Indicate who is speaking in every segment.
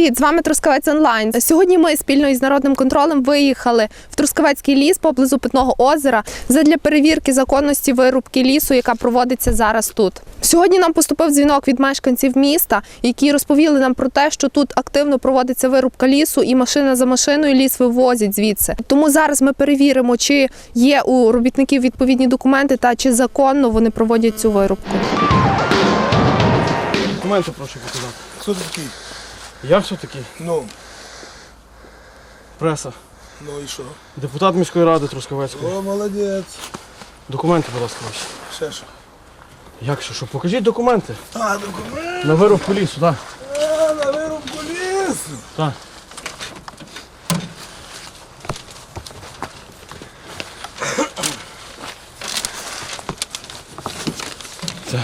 Speaker 1: Привіт, з вами Трускавець Онлайн. Сьогодні ми спільно із Народним контролем виїхали в Трускавецький ліс поблизу Питного озера задля перевірки законності вирубки лісу, яка проводиться зараз тут. Сьогодні нам поступив дзвінок від мешканців міста, які розповіли нам про те, що тут активно проводиться вирубка лісу і машина за машиною ліс вивозять звідси. Тому зараз ми перевіримо, чи є у робітників відповідні документи та чи законно вони проводять цю вирубку.
Speaker 2: Документи прошу показати.
Speaker 3: Хто ти такий?
Speaker 2: Я все такий.
Speaker 3: Ну.
Speaker 2: Преса.
Speaker 3: Ну і що?
Speaker 2: Депутат міської ради Трускавецької.
Speaker 3: О, молодець.
Speaker 2: Документи, будь ласка, ваші.
Speaker 3: Ще що?
Speaker 2: Як що? Покажіть документи.
Speaker 3: А, документи.
Speaker 2: На вирубку лісу, так.
Speaker 3: На вирубку лісу.
Speaker 2: Так. Так.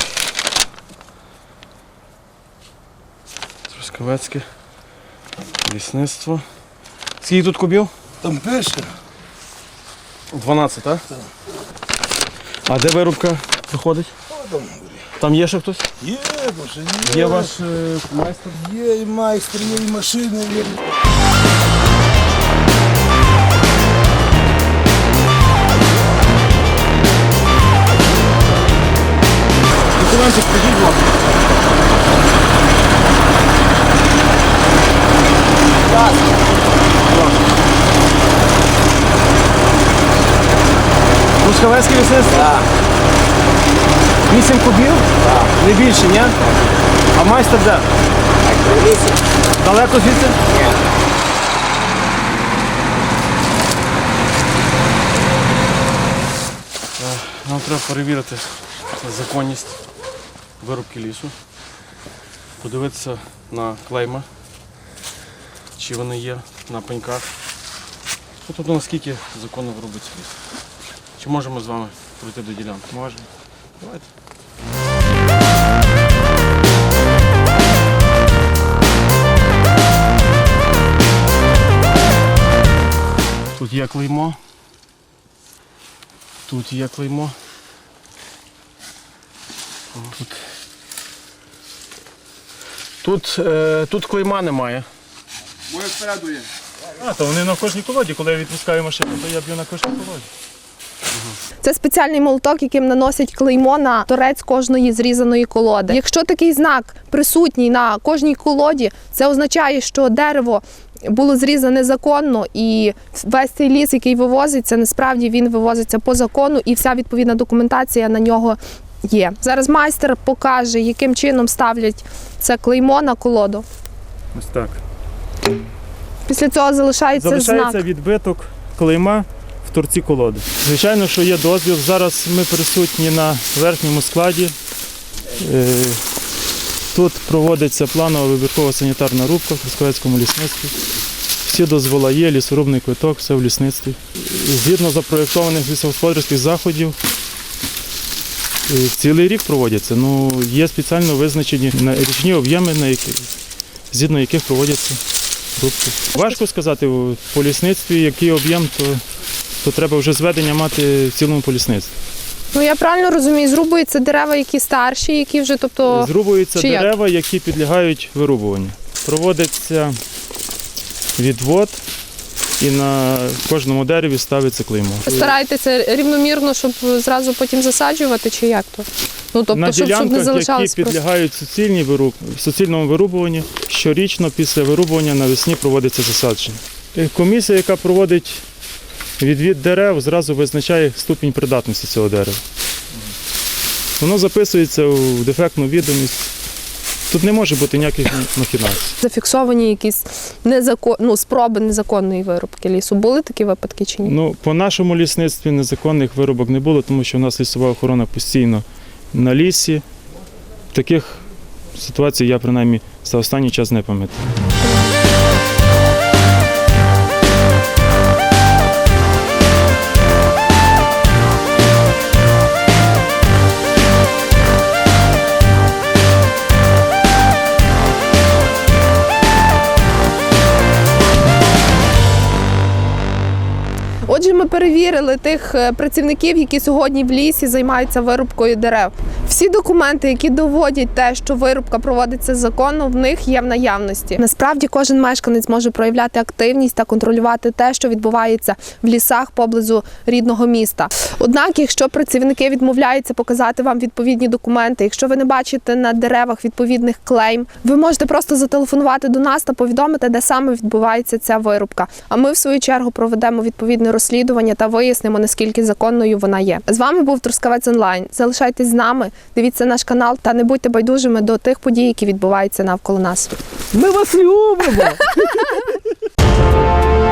Speaker 2: Трускавецьке лісництво. Скільки тут кубів?
Speaker 3: Там пише.
Speaker 2: 12, так?
Speaker 3: Так.
Speaker 2: А де вирубка проходить?
Speaker 3: О, там.
Speaker 2: Там є ще хтось?
Speaker 3: Є, боже, є.
Speaker 2: Є ваш майстер?
Speaker 3: Є і майстер, є і машини, є.
Speaker 2: Документи скажіть, будь ласка. Трускавецьке лісництво?
Speaker 3: Так.
Speaker 2: 8 кубів?
Speaker 3: Так.
Speaker 2: Не більше, ні? А майстер де?
Speaker 3: Так, в лісі?
Speaker 2: Далеко звідси?
Speaker 3: Ні.
Speaker 2: Нам треба перевірити законність вирубки лісу, подивитися на клейма, чи вони є на пеньках. Тобто наскільки законно вирубиться ліс. Чи можемо з вами пройти до ділянки? Можемо. Давайте. Тут є клеймо. Тут є клеймо. Тут клейма немає.
Speaker 3: Моє спереду є.
Speaker 4: То вони на кожній колоді, коли я відпускаю машину, то я б'ю на кожній колоді.
Speaker 1: Це спеціальний молоток, яким наносять клеймо на торець кожної зрізаної колоди. Якщо такий знак присутній на кожній колоді, це означає, що дерево було зрізане законно, і весь цей ліс, який вивозиться, насправді він вивозиться по закону, і вся відповідна документація на нього є. Зараз майстер покаже, яким чином ставлять це клеймо на колоду.
Speaker 4: Ось так.
Speaker 1: Після цього залишається
Speaker 4: Залишається
Speaker 1: знак.
Speaker 4: відбиток клейма в торці колоди. Звичайно, що є дозвіл. Зараз ми присутні на верхньому складі. Тут проводиться планова вибіркова санітарна рубка в Трускавецькому лісництві. Всі дозволи є, лісорубний квиток, все в лісництві. Згідно запроєктованих лісогосподарських заходів, цілий рік проводяться. Є спеціально визначені річні об'єми, згідно яких проводяться рубки. Важко сказати по лісництві, який об'єм, то треба вже зведення мати в цілому по лісництві.
Speaker 1: Я правильно розумію, зрубуються дерева, які старші, які вже, тобто...
Speaker 4: Зрубуються
Speaker 1: чи як?
Speaker 4: дерева, які підлягають вирубуванню. Проводиться відвод і на кожному дереві ставиться клеймо.
Speaker 1: Стараєтеся рівномірно, щоб зразу потім засаджувати, чи як то? Тобто,
Speaker 4: На
Speaker 1: щоб не
Speaker 4: ділянках,
Speaker 1: залишалось
Speaker 4: які підлягають суцільному вирубуванню, щорічно після вирубування навесні проводиться засадження. Комісія, яка проводить відвід дерев, зразу визначає ступінь придатності цього дерева. Воно записується у дефектну відомість. Тут не може бути ніяких махінацій.
Speaker 1: Зафіксовані якісь спроби незаконної вирубки лісу. Були такі випадки чи ні?
Speaker 4: По нашому лісництві незаконних вирубок не було, тому що у нас лісова охорона постійно на лісі. Таких ситуацій я, принаймні, за останній час не пам'ятаю.
Speaker 1: Отже, ми перевірили тих працівників, які сьогодні в лісі займаються вирубкою дерев. Всі документи, які доводять те, що вирубка проводиться законно, в них є в наявності. Насправді кожен мешканець може проявляти активність та контролювати те, що відбувається в лісах поблизу рідного міста. Однак, якщо працівники відмовляються показати вам відповідні документи, якщо ви не бачите на деревах відповідних клейм, ви можете просто зателефонувати до нас та повідомити, де саме відбувається ця вирубка. А ми, в свою чергу, проведемо відповідне розслідування та вияснимо, наскільки законною вона є. З вами був Трускавець Онлайн. Залишайтесь з нами, дивіться наш канал та не будьте байдужими до тих подій, які відбуваються навколо нас.
Speaker 3: Ми вас любимо!